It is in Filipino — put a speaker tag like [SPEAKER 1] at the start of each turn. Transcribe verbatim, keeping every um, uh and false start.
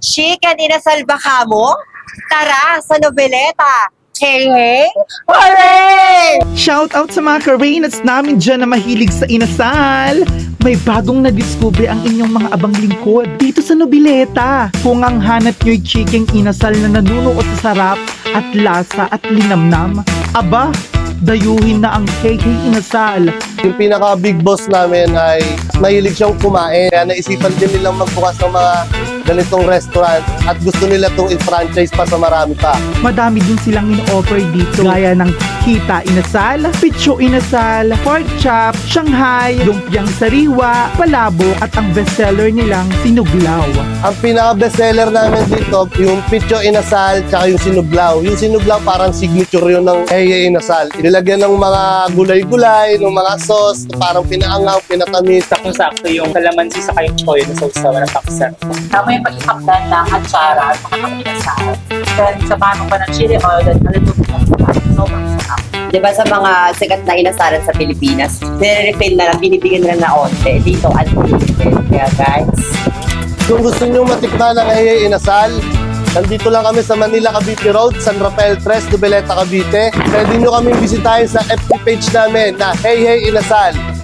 [SPEAKER 1] Chicken inasal ba kamo? Tara sa Nobeleta! Hey, hey! Hooray!
[SPEAKER 2] Shout out sa mga ka-Reynolds namin dyan na mahilig sa inasal. May bagong na-discover ang inyong mga abang lingkod dito sa Nobileta. Kung ang hanap nyo'y chicken inasal na nanunuot sa sarap at lasa at linamnam, aba, dayuhin na ang Hey Hey Inasal.
[SPEAKER 3] Yung pinaka big boss namin ay mahilig siyang kumain. Kaya naisipan din nilang magbukas ng mga ganitong restaurant at gusto nila itong i-franchise pa sa marami pa.
[SPEAKER 2] Madami din silang in-offer dito gaya ng Kita Inasal, Picho Inasal, Pork Chop, Shanghai, Lumpiang Sariwa, Palabok at ang bestseller nilang Sinuglaw.
[SPEAKER 3] Ang pinaka bestseller namin dito, yung Picho Inasal tsaka yung Sinuglaw. Yung Sinuglaw parang signature yun ng Hey Hey Inasal. Inilagyan ng mga gulay-gulay, ng mga sauce, parang pinaangaw, pinatamis.
[SPEAKER 4] Sakto-sakto yung kalamansi sa kayong toyo na sausawan ng pakisar.
[SPEAKER 5] Tama yung pag-ipakdan ng atsara at mga kaminasal. Then, samahan mo pa ng chili oil at naluluto mo sa sobrang sarap.
[SPEAKER 1] Di ba sa mga sikat na inasalan sa Pilipinas, nire-refill na lang, binibigyan na lang na onte. Dito, unlimited. Kaya guys,
[SPEAKER 3] Kung gusto nyo matikman ng Hey Hey Inasal, nandito lang kami sa Manila, Cavite Road, San Rafael tres, Nobeleta, Cavite. Pwede nyo kaming bisitahin sa F B page namin na Hey Hey Inasal.